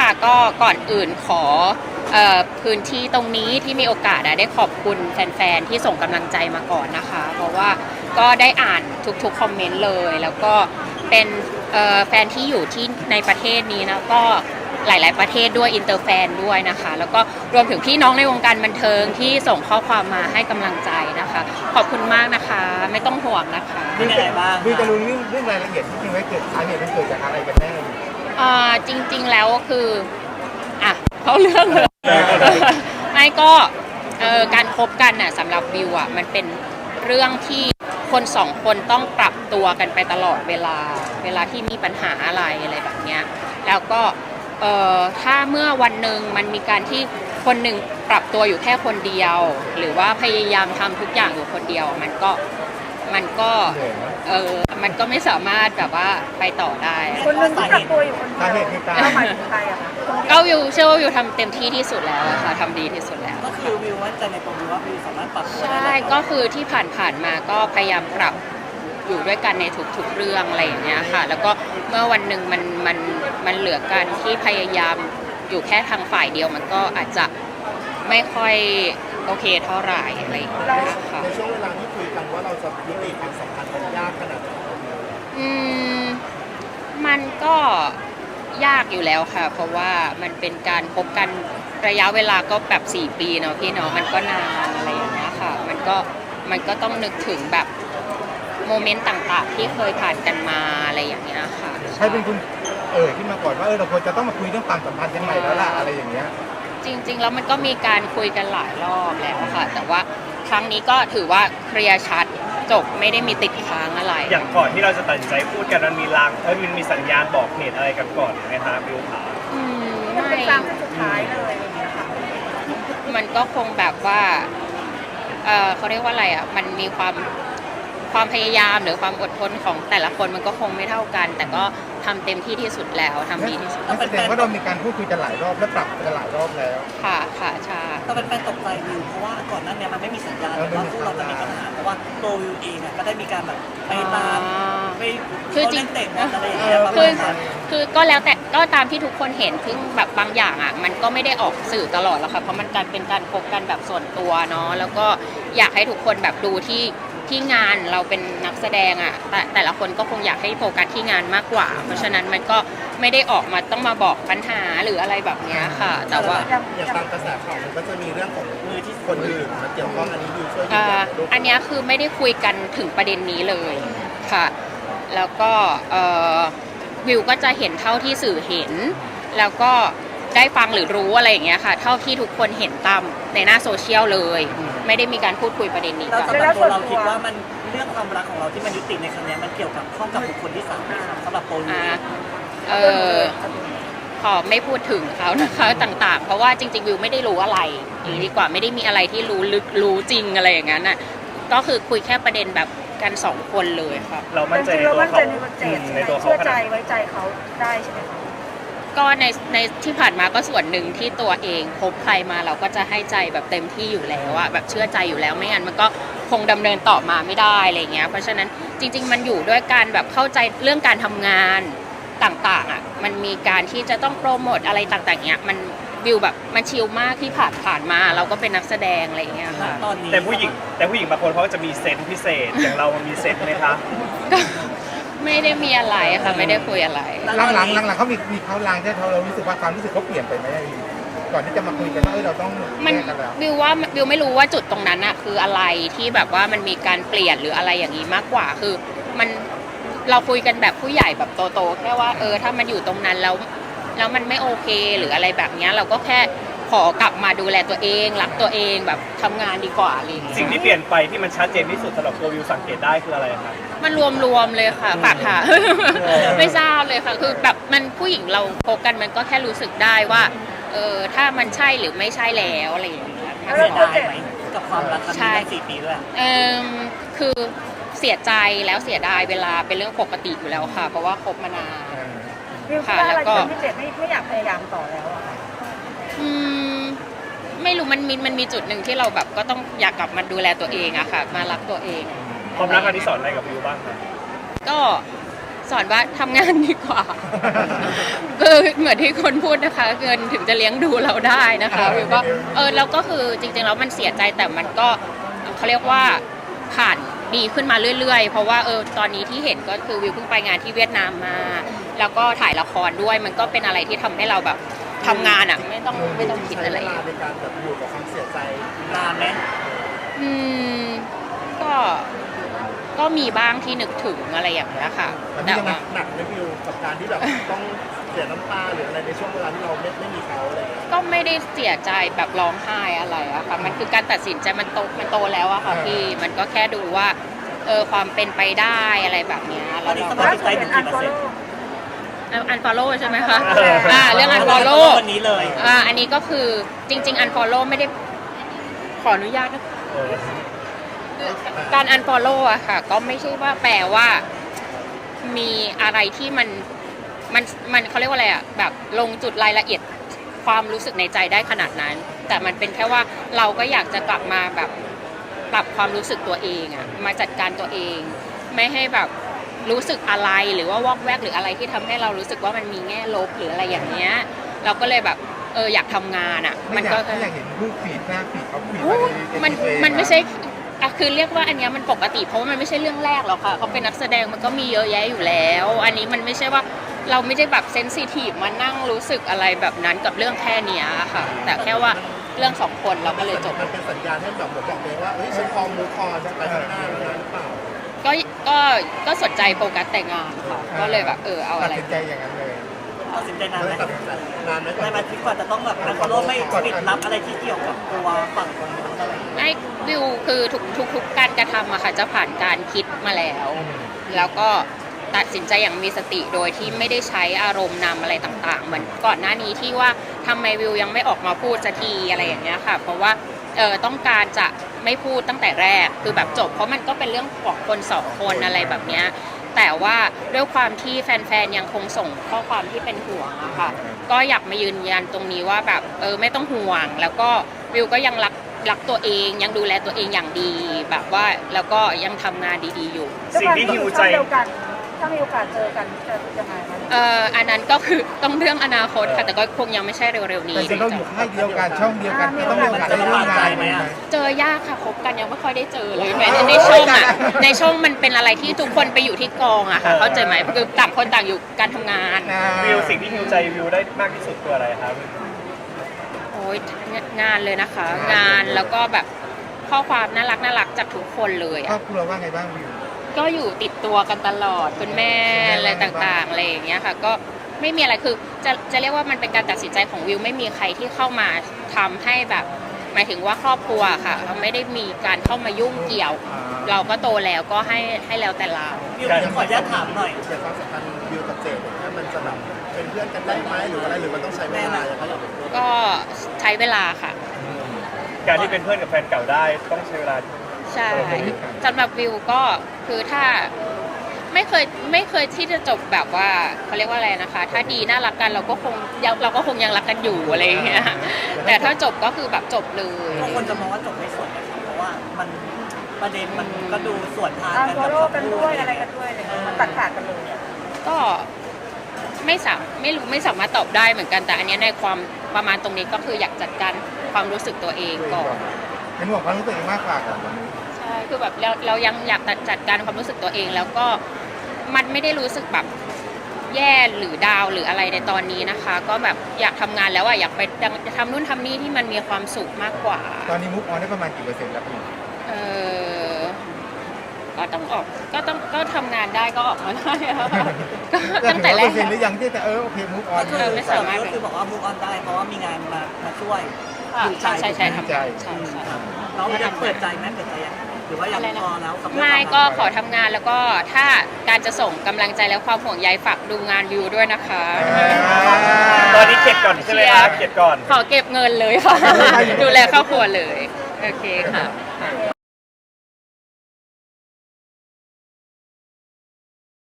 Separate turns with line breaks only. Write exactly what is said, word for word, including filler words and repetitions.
ค่ะก็ก่อนอื่นขอเอ่อพื้นที่ตรงนี้ที่มีโอกาสได้ขอบคุณแฟนๆที่ส่งกำลังใจมาก่อนนะคะเพราะว่าก็ได้อ่านทุกๆคอมเมนต์เลยแล้วก็เป็นแฟนที่อยู่ที่ในประเทศนี้นะก็หลายๆประเทศด้วยอินเตอร์แฟนด้วยนะคะแล้วก็รวมถึงพี่น้องในวงการบันเทิงที่ส่งข้อความมาให้กำลังใจนะคะขอบคุณมากนะคะไม่ต้องห่วงนะคะ
มีอะไรบ้าง
คือจะรู้เรื่องเรื่องรายละเอียดที่จริงไว้เกิดสาเหตุมันเกิดจากอะไรกันแน่
อ่าจริงๆแล้วคืออ่ะเขาเรื่องเลยไม่ก็เอ่อการคบกันน่ะสำหรับวิวอ่ะมันเป็นเรื่องที่คนสองคนต้องปรับตัวกันไปตลอดเวลาเวลาที่มีปัญหาอะไรอะไรแบบเนี้ยแล้วก็เอ่อถ้าเมื่อวันหนึ่งมันมีการที่คนหนึ่งปรับตัวอยู่แค่คนเดียวหรือว่าพยายามทำทุกอย่างอยู่คนเดียวมันก็มันก็เออมันก็ไม่สามารถแบบว่าไปต่อได้
คนหนึ่งที่ปรับตัวอยู่คนเดียวหมายถึงใครอะคะ
ก็วิวเชื่อว่าวิวทำเต็มที่ที่สุดแล้วค่ะทำดีที่สุดแล้ว
ก็คือวิวว่าใจในตัววิวว่าวิวสามารถปรับตัวได้
ใช่ก็คือที่ผ่านๆมาก็พยายามปรับอยู่ด้วยกันในทุกๆเรื่องอะไรอย่างเงี้ยค่ะแล้วก็เมื่อวันหนึ่งมันมันมันเหลือกันที่พยายามอยู่แค่ทางฝ่ายเดียวมันก็อาจจะไม่ค่อยโอเคเท่าไหร่อะไรอย่างเงี้ยค่ะ
ในช่วงเวลาที่คุยกันว่าเราจะยุติความสัมพันธ์มันยากขนาดไหน
อืมมันก็ยากอยู่แล้วค่ะเพราะว่ามันเป็นการพบกันระยะเวลาก็แบบสี่ปีเนาะพี่เนาะมันก็นานอะไรอย่างเงี้ยค่ะมันก็มันก็ต้องนึกถึงแบบโมเมนต์ต่างๆที่เคยผ่านกันมาอะไรอย่างเงี้ยค่ะ
ใช่เป็นคุณเอ่ยขึ้นมาก่อนว่าเออเราควรจะต้องมาคุยเรื่องความสัมพันธ์กันใหม่แล้วล่ะอะไรอย่างเงี้ย
จริงๆแล้วมันก็มีการคุยกันหลายรอบแล้วค่ะแต่ว่าครั้งนี้ก็ถือว่าเคลียร์ชัดจบไม่ได้มีติดค้างอะไร
อย่างก่อนที่เราจะตัดสินใจพูดกันมันมีลางเออมันมีสัญญาณบอกเหตุอะไรกันก่อนไหมคะบิวขา
อืม
ไม่เป็นครั้งสุดท้ายเลยอย่างเงี้ยค่ะ
มันก็คงแบบว่าเออเขาเรียกว่าอะไรอ่ะมันมีความความพยายามหรือความอดทนของแต่ละคนมันก็คงไม่เท่ากันแต่ก็ทำเต็มที่ที่สุดแล้วทำดีที่สุด
แสดงว่าเรามีการพูดคุยกันหลายรอบและปรับกันหลายรอบแล้ว
ค่ะค่ะใช่
แต่เป็นแฟนตกใจวิวเพราะว่าก่อนหน้านี้มันไม่มีสัญญาณว่าพวกเราจะมีปัญหาเพราะว่าตัววิวเองก็ได้มีการแบบไปตามไป
คือจริง
เตะบอลอะไรอย่างเงี้ย
คือคือก็แล้วแต่ก็ตามที่ทุกคนเห็นซึ่งแบบบางอย่างอ่ะมันก็ไม่ได้ออกสื่อตลอดแล้วค่ะเพราะมันการเป็นการพบกันแบบส่วนตัวเนาะแล้วก็อยากให้ทุกคนแบบดูที่ที่งานเราเป็นนักแสดงอ่ะแต่แต่ละคนก็คงอยากให้โฟกัสที่งานมากกว่าเพราะฉะนั้นมันก็ไม่ได้ออกมาต้องมาบอกปัญหาหรืออะไรแบบนี้ค่ะแต่ว่า
อย่างตามกระแสข่าวมันก็จะมีเรื่องของมือที่คนอื่นมาเกี่ยวข้องอันนี้อยู่ช่วยยืนยัน
อันนี้คือไม่ได้คุยกันถึงประเด็นนี้เลยค่ะแล้วก็วิวก็จะเห็นเท่าที่สื่อเห็นแล้วก็ได้ฟังหรือรู้อะไรอย่างเงี้ยค่ะเท่าที่ทุกคนเห็นตามในหน้าโซเชียลเลยไม่ได้มีการพูดคุยประเด็นนี้กัน
แล้วสำหรับตัวเราคิดว่ามันเรื่องความรักของเราที่มันยุติในครั้งนี้มันเกี่ยวกับข้องกับบุคคลที่สามสำหรับโปรนี้
เออขอไม่พูดถึงเขานะคะต่างๆเพราะว่าจริงๆวิวไม่ได้รู้อะไรหรือดีกว่าไม่ได้มีอะไรที่รู้ลึกรู้จริงอะไรอย่างนั้นน่ะก็คือคุยแค่ประเด็นแบบกันสองคนเลยค่ะ
เรามั่นใจในตัวเขา
ในตัวเขาเชื่อใจไว้ใจเขาได้ใช่ไหมคะ
ก็ในในที่ผ่านมาก็ส่วนหนึ่งที่ตัวเองพบใครมาเราก็จะให้ใจแบบเต็มที่อยู่แล้วอะแบบเชื่อใจอยู่แล้วไม่งั้นมันก็คงดำเนินต่อมาไม่ได้อะไรเงี้ยเพราะฉะนั้นจริงๆมันอยู่ด้วยการแบบเข้าใจเรื่องการทำงานต่างๆอะมันมีการที่จะต้องโปรโมทอะไรต่างๆเงี้ยมันวิวแบบมันชิลมากที่ผ่านผ่านมาเราก็เป็นนักแสดงอะไรเงี้ยค่ะ
แต่ผู้หญิงแต่ผู้หญิงบางคนเขาจะมีเซนส์พิเศษอย่างเรามันมีเซนส์ไหมคะ
ไม่ได้มีอะไรค่ะไม่ได้คุยอะไร
หลังหลังหลังหลังเขามีมีเขาลางที่เขาเรารู้สึกว่าความรู้สึกเขาเปลี่ยนไปไหมก่อนที่จะมาคุยกันว่าเออเราต้อง
แยกกันแล้ววิวว่าวิวไม่รู้ว่าจุดตรงนั้นอะคืออะไรที่แบบว่ามันมีการเปลี่ยนหรืออะไรอย่างนี้มากกว่าคือมันเราคุยกันแบบผู้ใหญ่แบบโตๆแค่ว่าเออถ้ามันอยู่ตรงนั้นแล้วแล้วมันไม่โอเคหรืออะไรแบบนี้เราก็แค่ขอกลับมาดูแลตัวเองรักตัวเองแบบทำงานดีกว่าอะไร
สิ่งที่เปลี่ยนไปที่มันชัดเจนที่สุดสำหรับตัววิวสังเกตได้คืออะไรครับ
มันรวมๆเลยค่ะปากค่ะไม่ทราบเลยค่ะคือแบบมันผู้หญิงเราพบกันมันก็แค่รู้สึกได้ว่าเออถ้ามันใช่หรือไม่ใช่แล้วอะไรอย่างเงี้ย
เสียดายไหมกับความรักครั้งนี้สี่ปีด้วย
เออคือเสียใจแล้วเสียดายเวลาเป็นเรื่องปกติอยู่แล้วค่ะเพราะว่าคบมานาน
ค่ะแล้วก็พี่เจไม่ไม่อยากพยายามต่อแล้วอะ
อืมไม่รู้มันมีมันมีจุดหนึ่งที่เราแบบก็ต้องอยากกลับมาดูแลตัวเองอะค่ะมารักตัวเอง
ความรักอันนี้สอนอะไรกับวิวบ้างครับ
ก็สอนว่าทำงานดีกว่าคือเหมือนที่คนพูดนะคะเงินถึงจะเลี้ยงดูเราได้นะคะวิวก็เออแล้วก็คือจริงๆแล้วมันเสียใจแต่มันก็เขาเรียกว่าผ่านดีขึ้นมาเรื่อยๆเพราะว่าเออตอนนี้ที่เห็นก็คือวิวเพิ่งไปงานที่เวียดนามมา แล้วก็ถ่ายละครด้วยมันก็เป็นอะไรที่ทำให้เราแบบทำงานอ่ะไม่ต้องไม่ต้องคิดอะไร
ในการแบบอยู่กับความเสียใจ
นานไหม
อืมก็ก็มีบ้างที่นึกถึงอะไรอย่างเงี้ยค่ะ
มัน
แต่
ยัง
ว่า
หนักไหมวิวกับการที่แบบต้องเสียน้ำตาหรืออะไรในช่วงเวลาที่เราไม่ไม่มีเขาอะไรอย่างเงี้ย
ก็ไม่ได้เสียใจแบบร้องไห้อะไรอะค่ะมันคือการตัดสินใจมันโตมันโตแล้วอะค่ะพี่มันก็แค่ดูว่าเออความเป็นไปได้อะไรแบบเนี้ย
ตอ
แล้
น
ว
นี้
เรา
ส
ก็
ภาพจิตใจอยู่กี่เปอร์เซ็นต์
อันฟอลโล่ใช่ไหมคะ
เอออ่
อ่าเรื่องอันฟอลโล่
วันนี้เลย
อ่าอันนี้ก็คือจริง ๆ อันฟอลโล่ไม่ได้ขออนุญาตนะ
เออ
การ unfollow อะค่ะก็ไม่ใช่ว่าแปลว่ามีอะไรที่มันมันมันเขาเรียกว่าอะไรอะแบบลงจุดรายละเอียดความรู้สึกในใจได้ขนาดนั้น แต่มันเป็นแค่ว่าเราก็อยากจะกลับมาแบบปรับความรู้สึกตัวเองอะมาจัดการตัวเอง ไม่ให้แบบรู้สึกอะไรหรือว่าวอกแวกหรืออะไรที่ทำให้เรารู้สึกว่ามันมีแง่ลบหรืออะไรอย่างเงี้ยเราก็เลยแบบเอออยากทำงานอะ
มั
มัน น
ก็
ก็
อยากเห็นรูปฟีดหน้าฟีดเขาฟีด
โอ้
มาใน
มัน
ใน
มันไม่ใช่อะคือเรียกว่าอันเนี้ยมันปกติเพราะว่ามันไม่ใช่เรื่องแรกหรอกค่ะเขาเป็นนักแสดงมันก็มีเยอะแยะอยู่แล้ว อันนี้มันไม่ใช่ว่าเราไม่ได้แบบเซนซิทีฟมานั่งรู้สึกอะไรแบบนั้นกับเรื่องแค่เนี้ยค่ะ แต่แค่ว่าเรื่องสองคนเราก็เลยจบ
มันเป็นสัญญาณให้แบบเหมือนบอกเลยว่าเอ้ยฉันพร้อมมูฟออนจะไปข้างหน้าแล้วนะหรือเปล่า
ก็ก็ก็สนใจโฟกัสแต่งานค่ะ ก็เลยแบบเออเอา
ตั
อะ
ด
ไร
สินใจอย่างนั้นเลย
ตัดสินใจนานไหม
ตัดสินใจนานไหม
ในมาที่กว่าจะต้องแบบอันฟอลโล่ไม่ปิดลับอะไรที่เกี่ยวกับตัวฝั่งคนนู้นอะไรอย่างเงี้ย
ไอ้วิวคือทุกทุกทุกการกระทำอะค่ะจะผ่านการคิดมาแล้ว แล้วก็ตัดสินใจอย่างมีสติโดยที่ไม่ได้ใช้อารมณ์นำอะไรต่างๆ เหมือนก่อนหน้านี้ที่ว่าทำไมวิวยังไม่ออกมาพูดสักทีอะไรอย่างเงี้ยค่ะ เพราะว่าเออต้องการจะไม่พูดตั้งแต่แรกคือแบบจบ เพราะมันก็เป็นเรื่องของคนสองคนอะไรแบบเนี้ยแต่ว่าด้วยความที่แฟนๆยังคงส่งข้อความที่เป็นห่วงอะค่ะก็อยากมายืนยันตรงนี้ว่าแบบเออไม่ต้องห่วง แล้วก็วิวก็ยังรักรักตัวเองยังดูแลตัวเองอย่างดี แบบว่าแล้วก็ยังทำงานดีๆอยู่
สิ่งที่หิวใจ
เดียวกันถ้ามีโอกาสเจอกันจะยังไงคะ
เอ่ออันนั้นก็คือต้องเรื่องอนาคตค่ะแต่ก็คงยังไม่ใช่เร็วๆนี้
แต่เราอยู่ค่ายเดียวกันช่องเดียวกันก็ต้องมีโอกาสได้ร่วมงานไหม
เจอยากค่ะคบกันยังไม่ค่อยได้เจอเลยแม้ในช่องอ่ะในช่องมันเป็นอะไรที่ทุกคนไปอยู่ที่กองอะค่ะเข้าใจไหมคือต่างคนต่างอยู่การทำงาน
วิวสิ่งที่หิวใจวิวได้มากที่สุดคืออะไรครับ
โอ้ยงานเลยนะคะ งานแล้วก็แบบข้อความน่ารักน่ารักจากทุกคนเลย
ครอ
อะ
บครัวว่าไงบ้างวิว
ก็อยู่ติดตัวกันตลอดคุณแม่อะไรต่างๆอะไรอย่างเงี้ยค่ะก็ไม่มีอะไรคือจะจะเรียกว่ามันเป็นการตัดสินใจของวิวไม่มีใครที่เข้ามาทำให้แบบหมายถึงว่าครอบครัวค่ะเราไม่ได้มีการเข้ามายุ่งเกี่ยว เราก็โตแล้วก็ให้ให้แล้วแต่เรา
วิวขออนุญาตถามหน่อย
เกี่ยวกับความสัมพันธ์วิวกับเจดเนี่ยมันจะแบบเป็นเพื่อนกันได้ไหมหรืออะไรหรือมันต้องใช้เวลาอย่างไร
ก็ใช้เวลาค่ะ
การที่เป็นเพื่อนกับแฟนเก่าได้ต้องใช้เวลา
ใช่สำหรับวิวก็คือถ้าไม่เคยไม่เคยที่จะจบแบบว่าเขาเรียกว่าอะไรนะคะ ถ้าดีน่ารักกันเราก็คงยังเราก็คงยังรักกันอยู่อะไรอย่างเงี้ยแต่ถ้าจบก็คือแบบจบเลย
บางคนจะมองว่าจบไม่สวยนะครับเพราะว่ามันประเด็นมันก็ดูสวนทาง
อ่า
กัน
โซ
กับ
โล่
คำ
กัน
พู
ด้วย
ด
อะไรกันด้วยเลยมันตัดขาดกันเลย
ก็ไม่สามไม่รู้ไม่สามารถตอบได้เหมือนกันแต่อันเนี้ยในความประมาณตรงนี้ก็คืออยากจัดการความรู้สึกตัวเองก่อน
เป็นห่วงความรู้สึกเองมากกว่าก่อน
ใช่คือแบบเราเรายังอยากจัดการความรู้สึกตัวเองแล้วก็มันไม่ได้รู้สึกแบบแย่หรือดาวหรืออะไรในตอนนี้นะคะ ก็แบบอยากทำงานแล้วอะอยากไปทำนู่นทำนี่ที่มันมีความสุขมากกว่า
ตอนนี้มุกออนได้ประมาณกี่เปอร์เซ็นต์แล้วพี่
เออก็ต้องออกก็ต้องก็ทำงานได้ก็ออกมาได้อะก็ตั้งแต่แร
เปอก ร์เซ็นต์หรือยังที่แต่เออโอเคมุกออน
ก็คือสามารถก็คือบอกว่ามูฟออนได้เพราะว่ามีงานมามาช่วย
ค่ะ
อยู่
ใช่ใช่ใช่ทำ
ใจ
ใช่ใช่
เรายังเปิดใจไหมเปิดใจยังหรือว่ายังพอแล้วกับเรื่อง
ไม่
ความรั
ก็ขอทำงานแล้วก็ถ้าการจะส่งกำลังใจและความห่วงใยฝากดูงานวิวด้วยนะคะ
ตอนนี้เก็บก่อนใช่ไหมครับเก็บก่อน
ขอเก็บเงินเลยค่ะ ดูแลครอบครัวเลย โอเคค่ะ
โอเค